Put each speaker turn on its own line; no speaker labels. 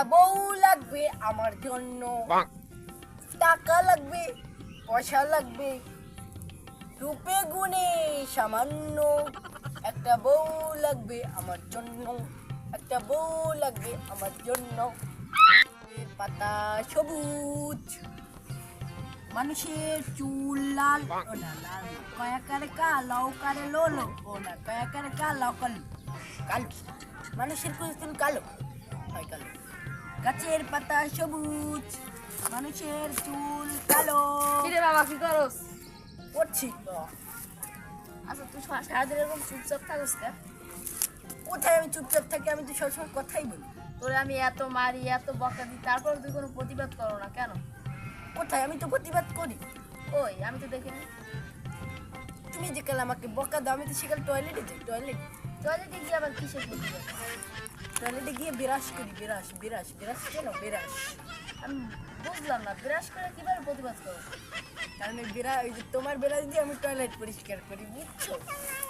বউ লাগবে আমার জন্য, টাকা লাগবে, পয়সা লাগবে, রূপে গুণে সামান্য। একটা বউ লাগবে আমার জন্য, একটা বউ লাগবে আমার জন্য। পাতা সবুজ, মানুষের চুল লাল, ও না লাল না, কয়াকারে কালো কারে লোলো, ও না কয়াকারে কালো কালো কালো, মানুষের চুল কালো হয় কালো। গাছের পাতা সবুজ, মানুষের চুল কালো।
কিরে বাবা কি করস?
করছি
আচ্ছা তুই সারাদিন এরকম চুপচাপ থাকস কেন?
কোথায় আমি চুপচাপ থাকি? আমি তো সবসময় কথাই বলি।
তোরে আমি এত মারি এত বকা দিই তারপর তুই কোনো প্রতিবাদ করো না কেন?
কোথায়? আমি তো প্রতিবাদ করি।
ওই আমি তো দেখিনি।
তুমি যে কাল আমাকে বকা দাও, আমি তো সেকাল টয়লেটে যাই।
টয়লেটে গিয়ে আবার কিসের প্রতিবাদ?
টয়লেটে গিয়ে বিরাস করি। বিরাস কেন বিরাস?
আমি বুঝলাম না ব্রাশ করে কিভাবে প্রতিবাদ করো?
কারণ ওই যে তোমার বিরাস দিয়ে আমি টয়লেট পরিষ্কার করি, বুঝছো?